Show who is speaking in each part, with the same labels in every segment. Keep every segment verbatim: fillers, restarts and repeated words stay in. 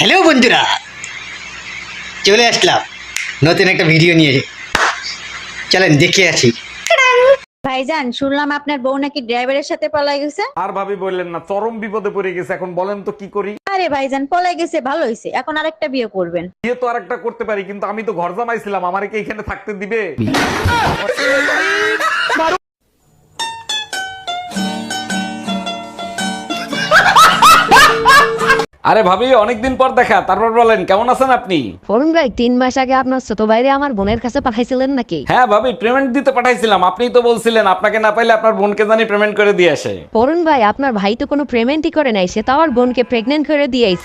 Speaker 1: Hello বন্ধুরা, চলে আসলাম নতুন একটা ভিডিও নিয়ে। চলেন দেখে আসি।
Speaker 2: ভাইজান, শুনলাম আপনার বউ নাকি ড্রাইভারের সাথে পলাই গেছে।
Speaker 3: আর ভাবি বললেন না, চরম বিপদে পড়ে গেছে। এখন বলেন তো কি করি?
Speaker 2: আরে ভাইজান, পলাই গেছে ভালো হয়েছে, এখন আরেকটা বিয়ে করবেন।
Speaker 3: বিয়ে তো আরেকটা করতে পারি, কিন্তু আমি তো ঘর জামাইছিলাম, আমারে কি এখানে থাকতে দিবে? আরে ভাবি, অনেকদিন পর দেখা, তারপর বলেন কেমন আছেন আপনি?
Speaker 4: ফরুন ভাই, তিন মাস আগে আপনার ছোট ভাইরে আমার বোনের কাছে পাঠাইছিলেন নাকি?
Speaker 3: হ্যাঁ ভাবি, পেমেন্ট দিতে পাঠাইছিলাম। আপনিই তো বলছিলেন আপনাকে না পাইলে আপনার বোনকে জানি পেমেন্ট করে দিয়ে আসে।
Speaker 4: ফরুন ভাই, আপনার ভাই তো কোনো পেমেন্টই করে নাই, সে তো আমার বোনকে প্রেগনেন্ট করে দিয়েছে।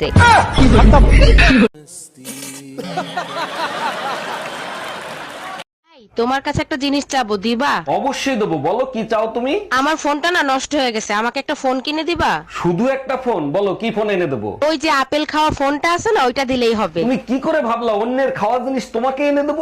Speaker 5: তোমার কাছে একটা জিনিস চাবো, দিবা?
Speaker 3: অবশ্যই দেবো, বলো কি চাও তুমি?
Speaker 5: আমার ফোনটা না নষ্ট হয়ে গেছে, আমাকে একটা ফোন কিনে দিবা?
Speaker 3: শুধু একটা ফোন? বলো কি ফোন এনে দেবো?
Speaker 5: ওই যে আপেল খাওয়া ফোনটা আছে না, ওইটা দিলেই হবে।
Speaker 3: তুমি কি করে ভাবলা অন্যের খাওয়া জিনিস তোমাকে এনে দেবো?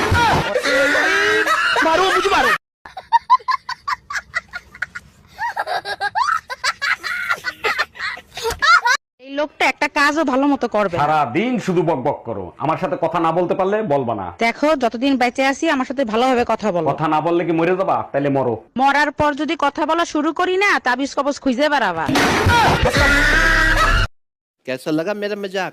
Speaker 5: এই লোকটা একটা কাজও ভালো মতো করবে না।
Speaker 3: সারা দিন শুধু বক বক করো, আমার সাথে কথা না বলতে পারলে বলবা না।
Speaker 5: দেখো, যতদিন বেঁচে আছি আমার সাথে ভালোভাবে কথা বলো।
Speaker 3: কথা না বললে কি মরে যাবা? তাইলে মরো।
Speaker 5: মরার পর যদি কথা বলা শুরু করি না, তাবিজ কবজ খুঁজে বেড়াবা।
Speaker 6: कैसा लगा मेरा मजाक?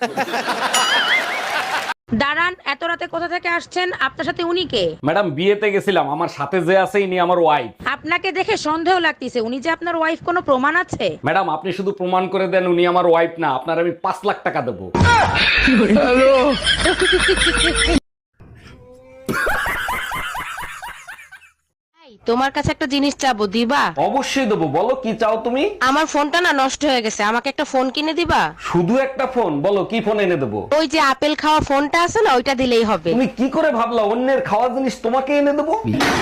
Speaker 5: দাঁড়ান, এত রাতে কোথা থেকে আসছেন? আপনার সাথে উনি কে?
Speaker 3: ম্যাডাম, বিয়েতে গেছিলাম, আমার সাথে যে আছে ইনি আমার ওয়াইফ।
Speaker 5: আপনাকে দেখে সন্দেহ লাগতেছে, উনি যে আপনার ওয়াইফ, কোনো প্রমাণ আছে?
Speaker 3: ম্যাডাম, আপনি শুধু প্রমাণ করে দেন উনি আমার ওয়াইফ না, আপনার আমি পাঁচ লাখ টাকা দেবো।
Speaker 5: তোমার কাছে একটা জিনিস চাবো, দিবা?
Speaker 3: অবশ্যই দেবো, বলো কি চাও তুমি?
Speaker 5: আমার ফোনটা না নষ্ট হয়ে গেছে, আমাকে একটা ফোন কিনে দিবা?
Speaker 3: শুধু একটা ফোন? বলো কি ফোন এনে দেবো?
Speaker 5: ওই যে আপেল খাওয়া ফোনটা আছে না, ওইটা দিলেই হবে।
Speaker 3: তুমি কি করে ভাবলা অন্যের খাওয়া জিনিস তোমাকে এনে দেবো?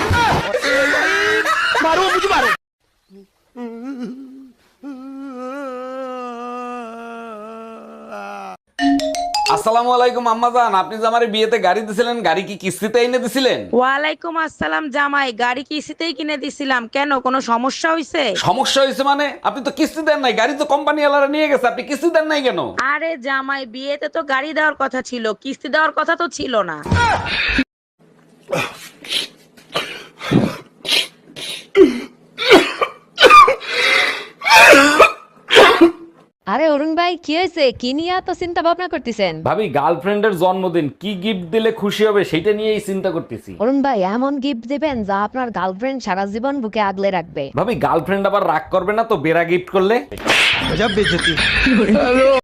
Speaker 3: আসসালামু আলাইকুম আম্মাজান, আপনি যে আমার বিয়েতে গাড়ি দিছিলেন, গাড়ি কি কিস্তিতে এনে দিছিলেন?
Speaker 5: ওয়ালাইকুম আসসালাম জামাই, গাড়ি কিস্তিতেই কিনে দিছিলাম। কেন, কোনো সমস্যা হয়েছে?
Speaker 3: সমস্যা হয়েছে মানে? আপনি তো কিস্তি দেন নাই, গাড়ি তো কোম্পানি ওয়ালারা নিয়ে গেছে, আপনি কিস্তি দেন নাই কেন?
Speaker 5: আরে জামাই, বিয়েতে তো গাড়ি দেওয়ার কথা ছিল, কিস্তি দেওয়ার কথা তো ছিল না।
Speaker 4: আরে অরুণ ভাই, কি হয়েছে? কি নিয়ে এত চিন্তা ভাবনা করতেছেন?
Speaker 3: ভাবি, গার্লফ্রেন্ডের জন্মদিন, কি গিফট দিলে খুশি হবে সেটা নিয়েই চিন্তা করতেছি।
Speaker 4: অরুণ ভাই, এমন গিফট দিবেন যা আপনার গার্লফ্রেন্ড সারা জীবন বুকে আগলে রাখবে।
Speaker 3: ভাবি, গার্লফ্রেন্ড আবার রাগ করবে না তো বেড়া গিফট করলে?